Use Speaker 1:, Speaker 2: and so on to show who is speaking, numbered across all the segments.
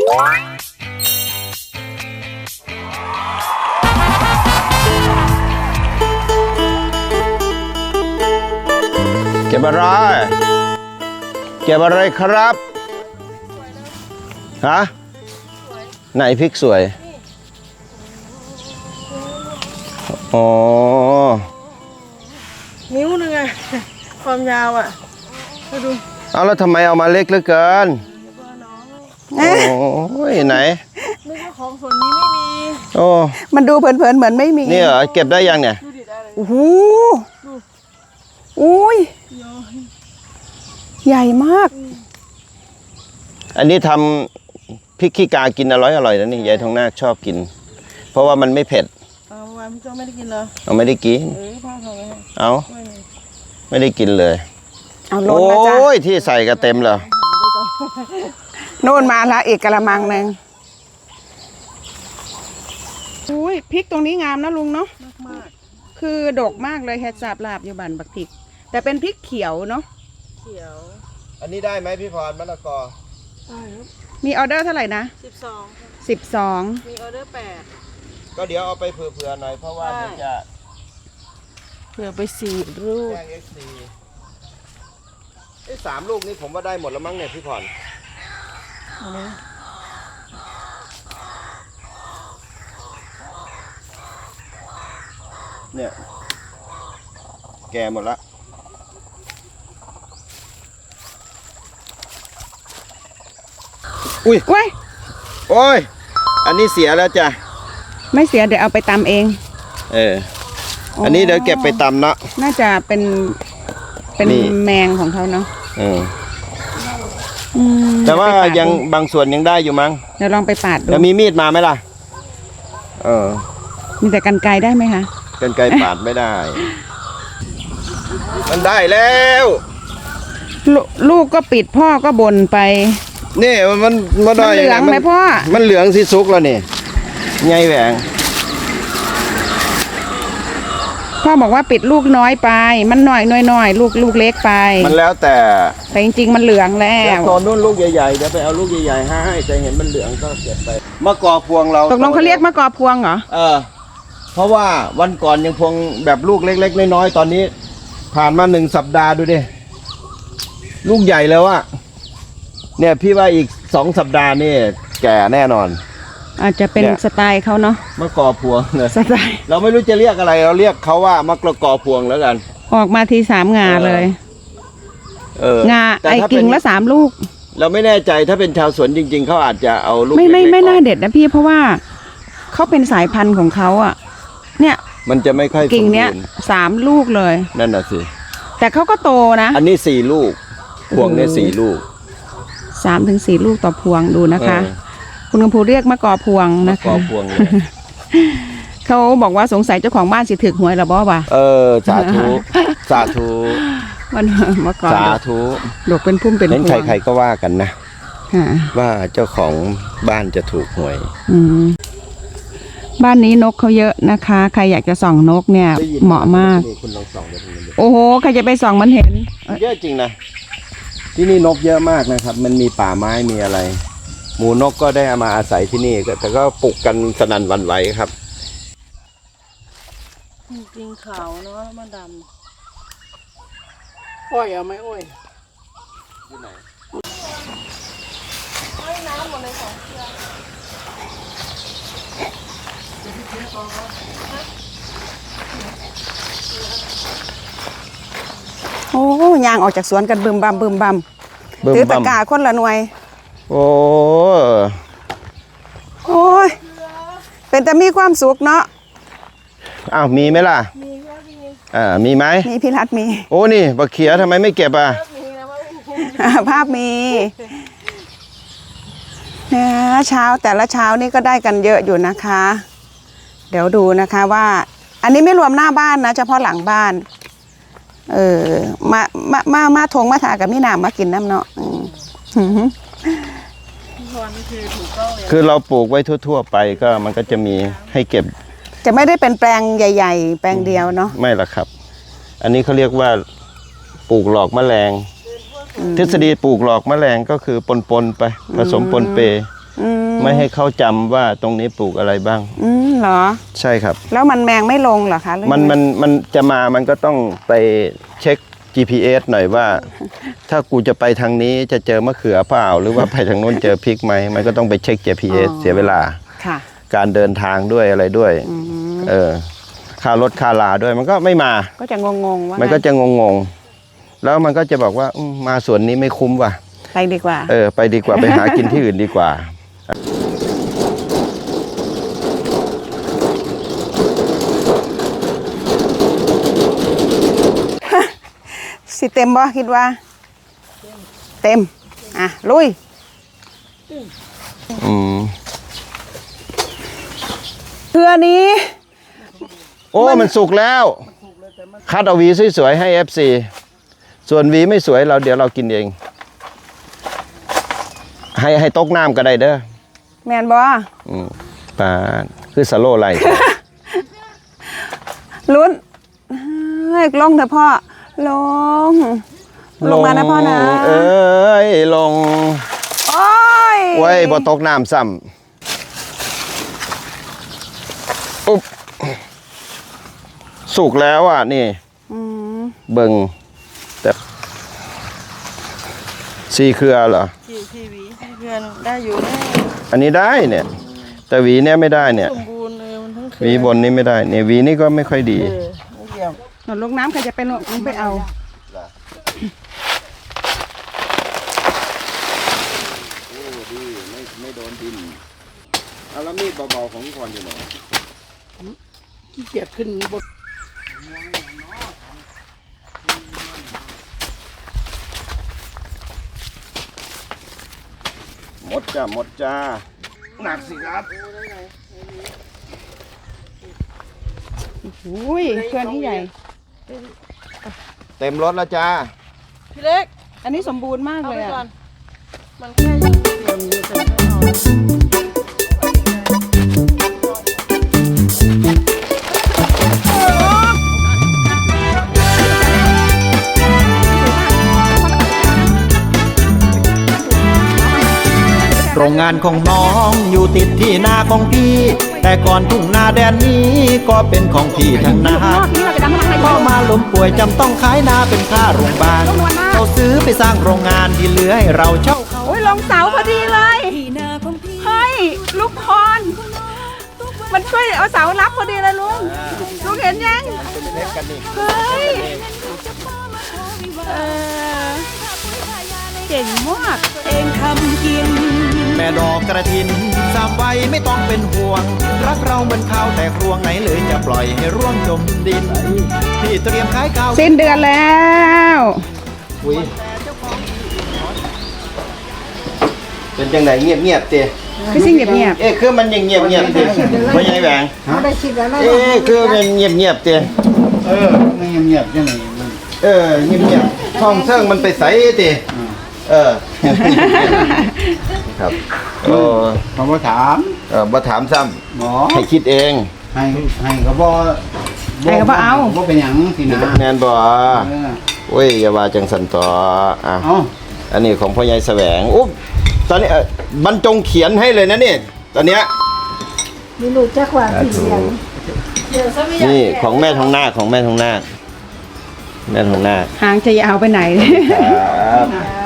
Speaker 1: เก็บอะไรเก็บอะไรครับฮะไหนพริกสวยอ๋อ
Speaker 2: นิ้วนึงอะความยาวอะมาดู
Speaker 1: เอาแล้วทำไมเอามาเล็กเหลือเกินโอ้ยไหน
Speaker 2: นึกว่าของส่วนนี้ไม่มี
Speaker 1: โอ้
Speaker 3: มันดูเพลินๆเหมือนไม่มี
Speaker 1: นี่เหรอเก็บได้ยังเนี่ย
Speaker 3: โอ้โหอุ้ยใหญ่มาก
Speaker 1: อันนี้ทำพริกขี้กากินอร่อยนะนี่ยายทองนาคชอบกินเพราะว่ามันไม่เผ็ด
Speaker 2: เอาวันพี่โจไม่ได้กินเหรอ
Speaker 1: เอาไม่ได้กิน
Speaker 2: พ่อทำไว้
Speaker 1: เอาไม่ได้กินเลย
Speaker 3: เอาล้นมาจ้ะ
Speaker 1: โอ้ยที่ใส่ก็เต็มเลย
Speaker 3: โน่นมาละอีกกระมังหนึ่งอุ้ยพริกตรงนี้งามนะลุงเนาะ
Speaker 2: มาก
Speaker 3: คือดกมากเลยแฮชาบลาบอยู่บ้านบักพริกแต่เป็นพริกเขียวเนาะ
Speaker 2: เขียว
Speaker 1: อันนี้ได้ไหมพี่พรมะละกอ
Speaker 3: มีออเดอร์เท่าไหร่นะ12
Speaker 2: มีออเดอร์8
Speaker 1: ก็เดี๋ยวเอาไปเผื่อๆหน่อยเพราะว่าเดี๋ยวจะ
Speaker 2: เผื่อไป4 ลูก
Speaker 1: แจ้ง XC 3 ลูกนี่ผมว่าได้หมดแล้วมั้งเนี่ยพี่พรเนี่ยแก่หมดละอุ้ยโอ้ยอันนี้เสียแล้วจ้ะ
Speaker 3: ไม่เสียเดี๋ยวเอาไปตำเอง
Speaker 1: อันนี้เดี๋ยวเก็บไปตำเนาะ
Speaker 3: น่าจะเป็นแมงของเขาเนาะ
Speaker 1: แต่ว่ายังบางส่วนยังได้อยู่มั้ง
Speaker 3: เดี๋ยวลองไปปาดดู
Speaker 1: จะมีมีดมาไหมล่ะ
Speaker 3: มีแต่กรรไกรได้ไหมคะ
Speaker 1: กรรไกรปาดไม่ได้มันได้แล้ว
Speaker 3: ลูกก็ปิดพ่อก็บ่นไป
Speaker 1: นี่มัน
Speaker 3: เหลืองไหมพ่อ
Speaker 1: มันเหลืองสิซุกแล้วนี่ไงแหวง
Speaker 3: พ่อบอกว่าปิดลูกน้อยไปมันน้อยลูกเล็กไป
Speaker 1: มันแล้วแต่
Speaker 3: จริงๆมันเหลืองแล้ว
Speaker 1: ตอนนู้นลูกใหญ่ๆเดี๋ยวไปเอาลูกใหญ่ๆให้แต่เห็นมันเหลืองก็เก็บไปมะกอกพวงเรา
Speaker 3: ตกลงเขาเรียกมะกอกพวงเหรอ
Speaker 1: เพราะว่าวันก่อนยังพวงแบบลูกเล็กๆน้อยๆตอนนี้ผ่านมา1 สัปดาห์ดูดิลูกใหญ่แล้วอะเนี่ยพี่ว่าอีก2 สัปดาห์นี่แก่แน่นอน
Speaker 3: อาจจะเป็นสไตล์เขาเนาะ
Speaker 1: มะกอกพวงเลย
Speaker 3: สไตล์
Speaker 1: เราไม่รู้จะเรียกอะไรเราเรียกเขาว่ามะกอกพวงแล้วกัน
Speaker 3: ออกมาที3 งาเลยงาไอ้กิ่งละ3 ลูก
Speaker 1: เราไม่แน่ใจถ้าเป็นชาวสวนจริงๆเขาอาจจะเอาลูก
Speaker 3: ไม่น่าเด็ดนะพี่เพราะว่าเขาเป็นสายพันธุ์ของเขาอ่ะเนี่ย
Speaker 1: มันจะไม่ค่อย
Speaker 3: กิ่งเนี้ย3 ลูกเลย
Speaker 1: นั่นน่ะสิ
Speaker 3: แต่เขาก็โตนะ
Speaker 1: อันนี้4 ลูกพวงเนี่ย4 ลูก
Speaker 3: 3 ถึง 4 ลูกต่อพวงดูนะคะคุณกำพูเรียกมะกอกพวงนะคะ
Speaker 1: มะกอกพวง
Speaker 3: เขาบอกว่าสงสัยเจ้าของบ้านสิถึกหวยหรอบ่ป่ะ
Speaker 1: สาธุ
Speaker 3: มันมะกอก
Speaker 1: สาธุ
Speaker 3: ดอกเป็นพุ่มเป็นพวง
Speaker 1: ใครๆก็ว่ากันนะว่าเจ้าของบ้านจะถูกหวย
Speaker 3: บ้านนี้นกเขาเยอะนะคะใครอยากจะส่องนกเนี่ยเหมาะมากโอ้โหใครจะไปส่องมันเห็น
Speaker 1: เยอะจริงนะที่นี่นกเยอะมากนะครับมันมีป่าไม้มีอะไรหมูนกก็ได้มาอาศัยที่นี่แต่ก็ปลุกกันสนั่นหวั่นไหวครับ
Speaker 2: จริงขาวเนาะมันดำอ้อยเอาไหมอ้อยที่ไหนน้ำหมดเลย2 เครือ
Speaker 3: โอ้ยางออกจากสวนกันบึมบัมถือตะกร้าคนละหน่วย
Speaker 1: โอ้
Speaker 3: ยเป็นแต่มีความสุขเนาะ
Speaker 1: อ้าวมีไหมล่ะมีไหม
Speaker 3: มีพี่รัตมี
Speaker 1: โอ้นี่บักเขียทำไมไม่เก็บอ่ะ
Speaker 3: ภาพมีเนี่ยเช้าแต่ละเช้านี่ก็ได้กันเยอะอยู่นะคะเดี๋ยวดูนะคะว่าอันนี้ไม่รวมหน้าบ้านนะเฉพาะหลังบ้านมาทงมาถากับมินามมากินน้ำเนาะ
Speaker 1: คือเราปลูกไว้ทั่วๆไปก็มันก็จะมีให้เก็บ
Speaker 3: จะไม่ได้เป็นแปลงใหญ่ๆแปลงเดียวเนาะ
Speaker 1: ไม่ละครับอันนี้เขาเรียกว่าปลูกหลอกแมลงทฤษฎีปลูกหลอกแมลงก็คือปนไปผสมปนเปไม่ให้เขาจำว่าตรงนี้ปลูกอะไรบ้าง
Speaker 3: เหรอ
Speaker 1: ใช่ครับ
Speaker 3: แล้วมันแมงไม่ลงเหรอคะหรือ
Speaker 1: มันจะมามันก็ต้องไปเช็ค GPS หน่อยว่า ถ้ากูจะไปทางนี้จะเจอมะเขือเปล่าหรือว่าไปทางโน้นเจอพริกไหมมันก็ต้องไปเช็ค GPS เสียเวลา
Speaker 3: ค่ะ
Speaker 1: การเดินทางด้วยอะไรด้วยค่ารถค่าลาด้วยมันก็ไม่มา
Speaker 3: ก็จะงงๆว่า
Speaker 1: มันก็จะงงๆแล้วมันก็จะบอกว่ามาสวนนี้ไม่คุ้มว่ะ
Speaker 3: ไปดีกว่า
Speaker 1: ไปดีกว่า ไปหากินที่อื่นดีกว่า
Speaker 3: สิเต็มบ่คิดว่า เต็ม อ่ะ ลุย เครือนี้
Speaker 1: โอ้มันสุกแล้ว คัดเอาหวีสวยๆให้ FC ส่วนหวีไม่สวยเดี๋ยวเรากินเอง ให้ตกน้ำก็ได้เด้อ
Speaker 3: แมนบ่
Speaker 1: ปาดคือสโลไลท์
Speaker 3: ลุ้นเฮ้ยลงเถอะพ่อ ลง ลงมานะพ่อนะ
Speaker 1: เอ้ยลง
Speaker 3: โอ้ย
Speaker 1: ไว้บ่ตกน้ำซ้ำอุ๊บสุกแล้วอ่ะนี่เบิ่งแต่4 เครือเหรอ
Speaker 2: ที่หวีเพื่อนได้อยู่แน่
Speaker 1: อันนี้ได้เนี่ย แต่หวีเนี่ยไม่ได้เนี่ย
Speaker 2: สมบูรณ์เลยมันทั้งคืน
Speaker 1: หวีบนนี้ไม่ได้เนี่ยหวีนี่ก็ไม่ค่อยดี
Speaker 2: ไม่เกี่ยว
Speaker 3: หนลงน้ำใครจะไปลงไปเอา
Speaker 1: โอ้ดีไม่โดนดินเอาแล้วมีดเบาๆของก่อนอยู่ไหน
Speaker 2: ขี้เกียจขึ้นบน
Speaker 1: หมดจ้าหมดจ้าหนักสิครับ
Speaker 3: อุ้ยเครือนี้ใหญ่
Speaker 1: เต็มรถแล้วจ้า
Speaker 2: พี่เล็ก
Speaker 3: อันนี้สมบูรณ์มาก
Speaker 2: เอา
Speaker 3: เลย
Speaker 2: ไปก่อ
Speaker 3: อ่ะ
Speaker 2: นมันแค่เดี๋ยวนี้จะไม่เอา
Speaker 4: โรงงานของน้องอยู่ติดที่นาของพี่ แต่ก่อนทุ่งนาแดนนี้ก็เป็นของพี่ทั้งนาพ่อมาล้มป่วยจำต้องขายนาเป็นค่าโรงพยาบาลเขาซื้อไปสร้างโรงงานที่เหลือให้เราเช่าเขา
Speaker 3: โอ้ยลงเสาพอดีเลย เฮ้ย ลูกพร มันช่วยเอาเสารับพอดีเลยลุง ลุงเห็นยัง เฮ้ยเก่งมาก
Speaker 4: เองทำกิน แม่ดอกกระถินสามใบไม่ต้องเป็นห่วง รักเราเหมือนข้าวแต่ครวงไหนเลยจะปล่อยให้ร่วงจมดินพี่เตรียมขายข้าว
Speaker 3: สิ้นเดือนแล้ว
Speaker 1: อุ้ยเป็นจังไหนเงียบๆเต้
Speaker 3: คือสิ่งเงียบ
Speaker 1: คือมันยังเงียบๆเต้ไม่ใช่แหวง
Speaker 2: ได้คิดแล้วนะ
Speaker 1: คือมันเงียบๆเต้
Speaker 5: ไม่เงียบๆจังไหนมัน
Speaker 1: เงียบๆท้องเสื่องมันไปใสเต้ครับโอ้
Speaker 5: เขาบ่ถาม
Speaker 1: มาถามซ้
Speaker 5: หมอ
Speaker 1: ำให้คิดเอง
Speaker 5: ให้ก็บ่
Speaker 3: ๆให้เขาบ่เอา
Speaker 5: บ่เป็นหยังสินะ
Speaker 1: แนนบ่
Speaker 5: เออ
Speaker 1: โอ้ยอย่าว่าจังสันต่ออ่ะ
Speaker 5: เอา
Speaker 1: อันนี้ของพ่อใหญ่แสวงอุ๊บตอนนี้บรรจงเขียนให้เลยนะนี่ตอนเนี้ย
Speaker 2: ไม่รู้จักว่าสีเหลืองเดี๋ยวซะไม่อยาก
Speaker 1: นี่ของแม่ทองนาคของแม่ทองนาคแม่ทองนาค
Speaker 3: หางจะยาวไปไหน
Speaker 1: ครับ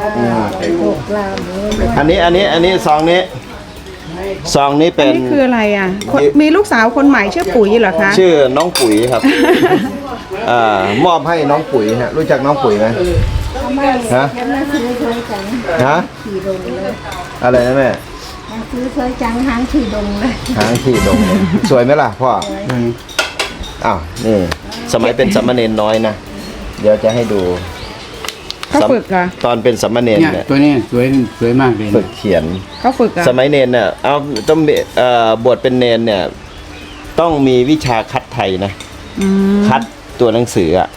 Speaker 1: อันนี้ซองนี้เป็
Speaker 3: อัน
Speaker 1: น
Speaker 3: นี้คืออะไรอ่ะคนมีลูกสาวคนใหม่ชื่อปุ๋ยเหรอคะ
Speaker 1: ชื่อน้องปุ๋ยครับมอบให้น้องปุ๋ยฮะรู้จักน้องปุ๋ยไหมฮะฮะอะไรนะแม่
Speaker 2: ซื้อสวยจังหางขี่ดงเลย
Speaker 1: หางขี่ดงเลยสวยไหมล่ะพ่ออ้าวนี่สมัยเป็นสามเณรน้อยนะเดี๋ยวจะให้ดู
Speaker 3: เขาฝึกเหรอ
Speaker 1: ตอนเป็นสามเณร
Speaker 5: เนี่ย
Speaker 1: เนี่ย
Speaker 5: ตัวนี้สวยมากเลย
Speaker 1: ฝึกเขียน
Speaker 3: เขาฝึกเหรอ
Speaker 1: สมัยเนนเนี่ยเอาต้องมีบวชเป็นเนนเนี่ยต้องมีวิชาคัดไทยนะ คัดตัวหนังสืออ่ะ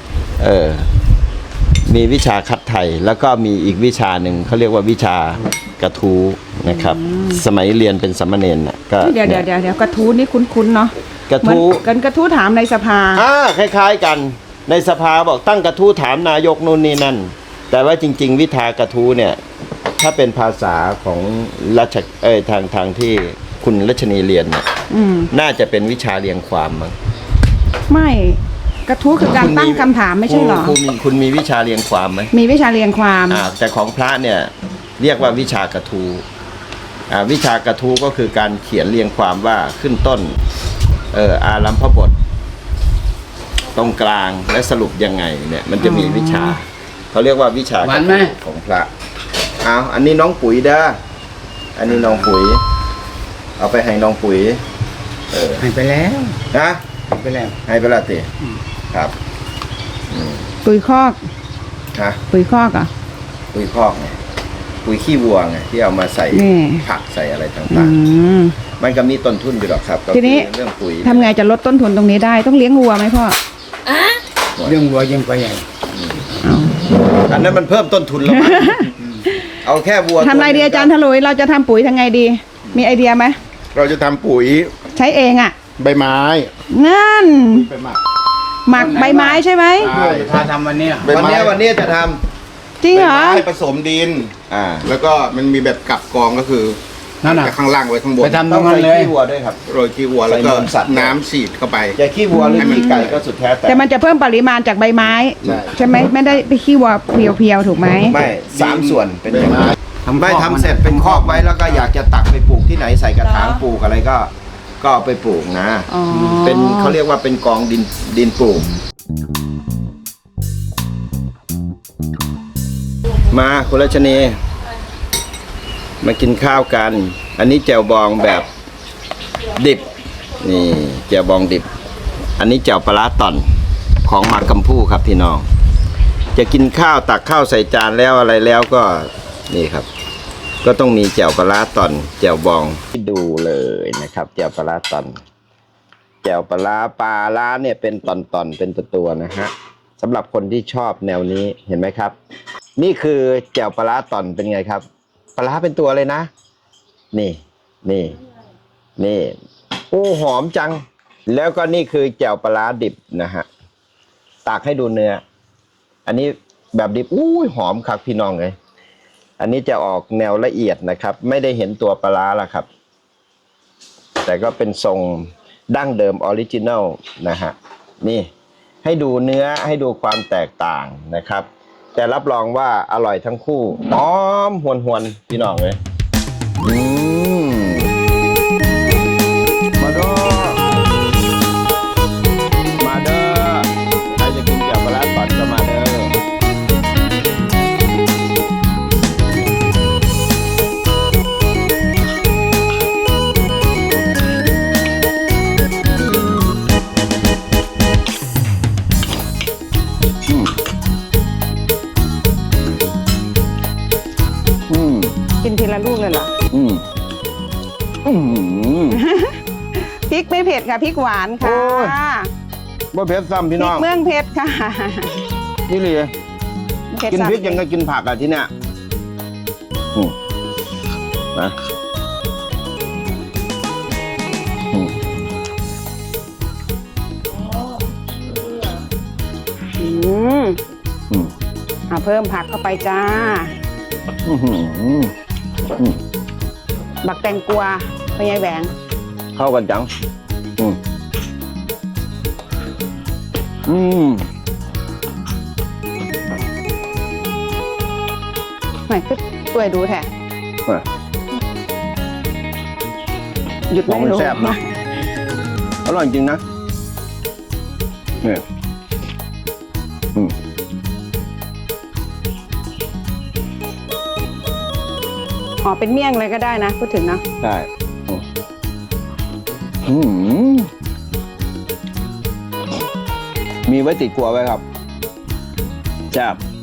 Speaker 1: มีวิชาคัดไทยแล้วก็มีอีกวิชาหนึ่งเขาเรียกว่าวิชากระทู้นะครับ สมัยเรียนเป็นสามเณรน่ะก็
Speaker 3: เดี๋ยวกระทู้นี่คุ้นๆเนาะ
Speaker 1: กระ
Speaker 3: เหมือน
Speaker 1: ทู้
Speaker 3: กันกระทู้ถามในสภา
Speaker 1: คล้ายๆกันในสภาบอกตั้งกระทู้ถามนายกนู่นนี่นั่น แต่ว่าจริง ๆ วิชากระทู้เนี่ยถ้าเป็นภาษาของทางที่คุณรัชนีเรียนเนี่ย น่าจะเป็นวิชาเรียงความมั้ง
Speaker 3: ไม่กระทู้คือการตั้งคำถามไม่ใช่เหรอ
Speaker 1: คุณมีวิชาเรียงความไหม
Speaker 3: มีวิชาเรียงความ
Speaker 1: แต่ของพระเนี่ยเรียกว่าวิชากระทู้วิชากระทู้ก็คือการเขียนเรียงความว่าขึ้นต้นอารัมภบท ตรงกลางและสรุปยังไงเนี่ยมันจะมีวิชาเขาเรียกว่าวิชากระทู้ของพระเอาอันนี้น้องปุ๋ยเด้ออันนี้น้องปุ๋ย เอาไปให้น้องปุ๋ย
Speaker 5: ให้ไปแล้ว
Speaker 1: นะ
Speaker 5: ให้ไปแล้ว
Speaker 1: ให้ไปและติครับ
Speaker 3: ปุ๋ยคอก
Speaker 1: ฮะ
Speaker 3: ปุ๋ยคอกเหรอ่ะ
Speaker 1: ปุ๋ยคอกไงปุ๋ยขี้วัวไงที่เอามาใส่
Speaker 3: นี่
Speaker 1: ผักใส่อะไรต่
Speaker 3: อื
Speaker 1: าง
Speaker 3: ม
Speaker 1: ๆ มันก็มีต้นทุนอยู่หรอกครับก็
Speaker 3: ทีนี้
Speaker 1: คือเรื่องปุ๋ย
Speaker 3: ทำไงจะลดต้นทุนตรงนี้ได้ต้องเลี้ยงวัวไหมพ่อ
Speaker 5: เรื่องวัวยังไปใหญ่
Speaker 3: เอา
Speaker 1: อันนั้นมันเพิ่มต้นทุนแล้วมั้งเอาแค่วัว
Speaker 3: ทำไรดีอาจารย์ถลุยเราจะทำปุ๋ยทำไงดี มีไอเดียไหม
Speaker 6: เราจะทำปุ๋ย
Speaker 3: ใช้เองอ่ะ
Speaker 6: ใบไม้
Speaker 3: นั่น
Speaker 6: ไปหมัก
Speaker 3: หมักใบไม้ใช่ไหม
Speaker 6: ใช่
Speaker 5: ถ้าทำวันเนี้ย
Speaker 6: ใบไม้
Speaker 1: วันนี้จะท
Speaker 3: จริงเหรอ
Speaker 6: ใบไม้ผสมดิน
Speaker 1: ำ
Speaker 6: แล้วก็มันมีแบบกลับกองก็คือ
Speaker 5: นั่นน่ะ
Speaker 6: จากข้างล่างไว้ข้างบน
Speaker 5: ไปทำต
Speaker 1: ต้
Speaker 5: ร
Speaker 1: อง
Speaker 5: งนั้น
Speaker 1: ใส่
Speaker 5: เลย
Speaker 1: ขี้วัวด้วยครับ
Speaker 6: โรยขี้วัวแล้วก็
Speaker 1: ใส่นมสัตว์
Speaker 6: น้ำฉีดเข้าไป
Speaker 1: จะขี้วัวหรือขี้ไก่ก็สุดแท้แต่
Speaker 3: แต่มันจะเพิ่มปริมาณจากใบไม้
Speaker 6: ใช่
Speaker 3: ใช่ไหมไม่ได้ไปขี้วัวเพียวๆถูกไหม
Speaker 1: ไม่3 ส่วนเป็นอย่าง
Speaker 6: ใบ
Speaker 1: นั้น
Speaker 6: ไม้
Speaker 1: ไม่ทำเสร็จเป็นคอกไว้แล้วก็อยากจะตักไปปลูกที่ไหนใส่กระถางปลูกอะไรก็เอาไปปลูกนะ
Speaker 3: อ๋อ
Speaker 1: เป็นเขาเรียกว่าเป็นกองดินปลูก มาคุณรัชนีมากินข้าวกัน อันนี้แจ่วบองแบบดิบ นี่แจ่วบองดิบ อันนี้แจ่วปลาร้าต่อนของหมากกำพูครับพี่น้อง จะกินข้าวตักข้าวใส่จานแล้วอะไรแล้วก็นี่ครับ ก็ต้องมีแจ่วปลาร้าต่อนแจ่วบองที่ดูเลยนะครับแจ่วปลาร้าต่อนแจ่วปลาร้าเนี่ยเป็นตอนๆเป็นตัวๆนะฮะสำหรับคนที่ชอบแนวนี้เห็นไหมครับ นี่คือแจ่วปลาร้าต่อนเป็นไงครับปลาร้าเป็นตัวเลยนะนี่โอ้หอมจัง แล้วก็นี่คือแจ่วปลาร้าดิบนะฮะตากให้ดูเนื้ออันนี้แบบดิบอุ้ยหอมครับพี่น้องเลยอันนี้จะออกแนวละเอียดนะครับ ไม่ได้เห็นตัวปลาร้าละครับ แต่ก็เป็นทรงดั้งเดิมออริจินัลนะฮะนี่ให้ดูเนื้อให้ดูความแตกต่างนะครับ แต่รับรองว่าอร่อยทั้งคู่หอมหวนๆพี่น้องเลยมาเด้อใครจะกินแจ่วปลาร้าต่อนก็มาเด้อ
Speaker 3: กินทีละลูกเลยเหรอ พริกไม่เผ็ดค่ะพริกหวานค่ะ
Speaker 1: โอ้ย บ่เผ็ดซ้ำ
Speaker 3: พริ
Speaker 1: พี่
Speaker 3: ก
Speaker 1: น้อง
Speaker 3: เมืองเพชรค่ะ
Speaker 1: นี่เลย
Speaker 3: เผ็ด
Speaker 1: กิน
Speaker 3: สัตว์
Speaker 1: พริกยังก็กินผักอ่ะที่เนี่ยนะ
Speaker 3: เพิ่มผักเข้าไปจ้า บักแตงกวาไปยายแหวง
Speaker 1: เข้ากันจัง
Speaker 3: ไม่คือตัวยดูแท้หยุด
Speaker 1: มอง
Speaker 3: ไม่
Speaker 1: มัน
Speaker 3: รู้
Speaker 1: แซ่บนะอร่อยจริงนะเนี่ย
Speaker 3: อ๋อเป็นเมี่ยงเลยก็ได้นะพูดถึงนะ
Speaker 1: ใช่มีไว้ติดครัวไว้ครับแซ่บ